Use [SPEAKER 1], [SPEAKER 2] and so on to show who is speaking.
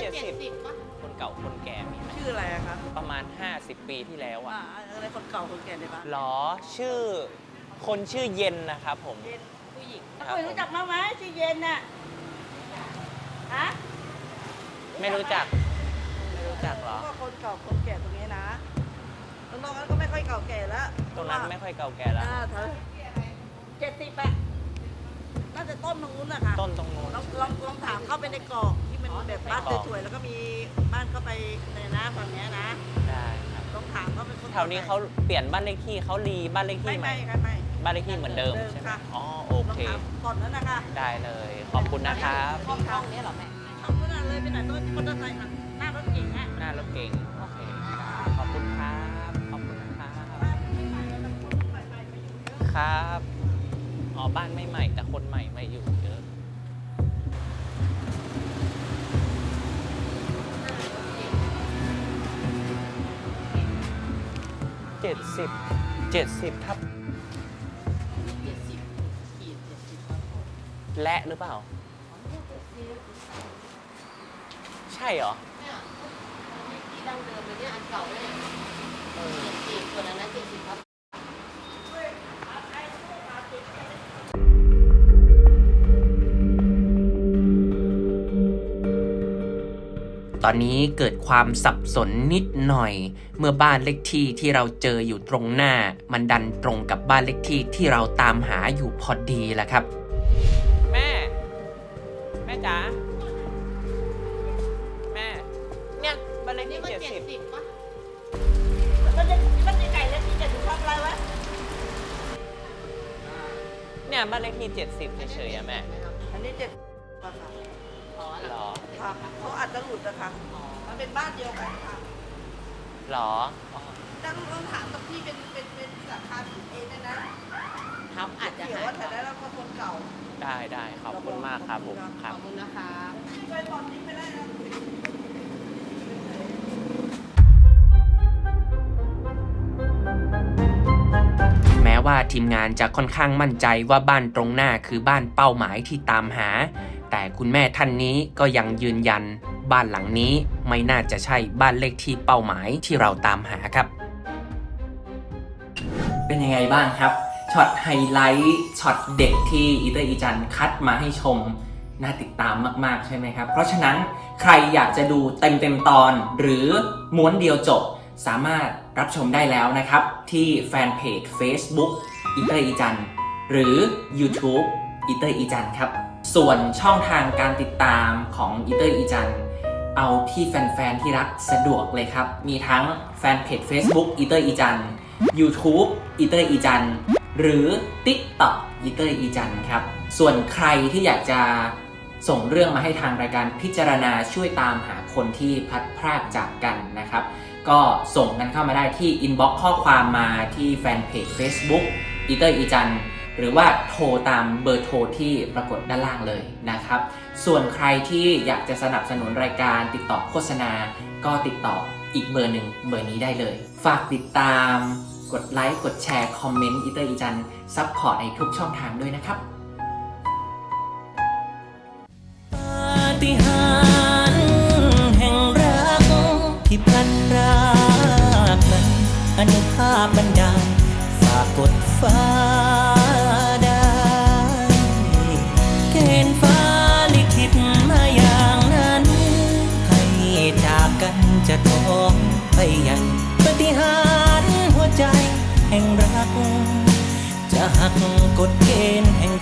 [SPEAKER 1] 70ป่ะคนเก่าคนแก่มีไหม
[SPEAKER 2] ชื่ออะไรอะคะ
[SPEAKER 1] ประมาณ50 ปีที่แล้วอะ
[SPEAKER 2] อะไรคนเก่าคนแก่ในบ้าน
[SPEAKER 1] หรอชื่อคนชื่อเย็นนะครับผม
[SPEAKER 2] เย็นผู้หญิง
[SPEAKER 1] เคย
[SPEAKER 2] รู้จักมั้งไหมชื่อเย็นน่ะฮะ
[SPEAKER 1] ไม่รู้จักหรอ
[SPEAKER 2] ก็คนเก่าคนแก่ตรงนี้นะตรงนั้นก็ไม่ค่อยเก่าแก่แล้ว
[SPEAKER 1] ตรงนั้นไม่ค่อยเก่าแก่แล้ว
[SPEAKER 2] 70อะน่าจะต้นตรงนู้นนะคะ
[SPEAKER 1] ต้นตรงนู้น
[SPEAKER 2] ลองถามเข้าไปในกรอกที่มันแบบบ้านสวยๆแล้วก็มีบ้านเข้าไปในหน้าฝั่งนี้นะ
[SPEAKER 1] ได้ครับ
[SPEAKER 2] ลองถามเขาเป็นคน
[SPEAKER 1] แถวนี้เขาเปลี่ยนบ้านเลขที่เขารีบ้านเลขที่ใหม่
[SPEAKER 2] ไม่
[SPEAKER 1] บ้านเลขที่เหมือนเดิมใช่ไหมอ๋อโอเค
[SPEAKER 2] ก่อนนั้นนะคะ
[SPEAKER 1] ได้เลยขอบคุณนะครับ
[SPEAKER 2] ห้องนี้เหรอแม่ห้องนั้นเลยไปไหนต้นที่มอเตอร์ไซค์หน้ารถเก่ง
[SPEAKER 1] หน้ารถเก่งโอเคขอบคุณครับขอบคุณนะครับครับอ๋อบ้านไม่ใหม่แต่คนใหม่มาอยู่เยอะ70ทับและหรือเปล่าใช่เหรอ
[SPEAKER 3] ที่ดั้งเดิมเลยเนี่ยอันเก่าเลย70ส่วนอันนั้น70ครับ
[SPEAKER 4] ตอนนี้เกิดความสับสนนิดหน่อยเมื่อบ้านเลขที่ที่เราเจออยู่ตรงหน้ามันดันตรงกับบ้านเลขที่ที่เราตามหาอยู่พอดีแหละครับ
[SPEAKER 1] แม่จ๋าแม่เนี่ยบ้านเลขที่70
[SPEAKER 3] ป่ะ
[SPEAKER 2] มันจะไก่แล้วที่จะถูกทำอะไรวะ
[SPEAKER 1] เนี่ยบ้านเลขที่70เฉยๆแม่
[SPEAKER 2] อันนี้70ป่ะคะ
[SPEAKER 1] หรอ
[SPEAKER 2] ค่ะเขาอาจจะหลุดนะคะมันเป็นบ้านเดียวกันค่ะ
[SPEAKER 1] หรอ
[SPEAKER 2] ต้องถามกับพี่เป็นสาขาผิดเองนะครับ
[SPEAKER 3] อาจจะ
[SPEAKER 2] เดี๋ยวว่าแต่ได้แล้วก็คนเก่า
[SPEAKER 1] ได้ขอบคุณมากครับผม
[SPEAKER 3] ขอบคุณนะคะ
[SPEAKER 2] ไปตอนนี้ไม่ได้นะ
[SPEAKER 4] แม้ว่าทีมงานจะค่อนข้างมั่นใจว่าบ้านตรงหน้าคือบ้านเป้าหมายที่ตามหาแต่คุณแม่ท่านนี้ก็ยังยืนยันบ้านหลังนี้ไม่น่าจะใช่บ้านเลขที่เป้าหมายที่เราตามหาครับเป็นยังไงบ้างครับช็อตไฮไลท์ช็อตเด็กที่อีเตอร์อีจันคัดมาให้ชมน่าติดตามมากๆใช่ไหมครับเพราะฉะนั้นใครอยากจะดูเต็มตอนหรือม้วนเดียวจบสามารถรับชมได้แล้วนะครับที่แฟนเพจ Facebook อีเตอร์อีจันหรือ YouTube อีเตอร์อีจันครับส่วนช่องทางการติดตามของอีเตอร์อีจันเอาที่แฟนๆที่รักสะดวกเลยครับมีทั้งแฟนเพจ Facebook อีเตอร์อีจัน YouTube อีเตอร์อีจันหรือ TikTok อีเตอร์อีจันครับส่วนใครที่อยากจะส่งเรื่องมาให้ทางรายการพิจารณาช่วยตามหาคนที่พลัดพรากจากกันนะครับก็ส่งกันเข้ามาได้ที่ inbox ข้อความมาที่แฟนเพจ Facebook อีเตอร์อีจันหรือว่าโทรตามเบอร์โทรที่ปรากฏด้านล่างเลยนะครับส่วนใครที่อยากจะสนับสนุนรายการติดต่อโฆษณาก็ติดต่ออีกเบอร์หนึ่งเบอร์นี้ได้เลยฝากติดตามกดไลค์กดแชร์คอมเมนต์อีเตอร์อีจันซัพพอร์ตในทุกช่องทางด้วยนะครับปาฏิหาริย์แห่งรักที่พลัดพรากนั้นอนุภาพบันดาลฝากกดฟ้าได้เกณฑ์ฟ้าลิขิตมาอย่างนั้นให้จากกันจะท้องไปยังปาฏิหาริย์หัวใจแห่งรักจะหักกฎเกณฑ์แห่ง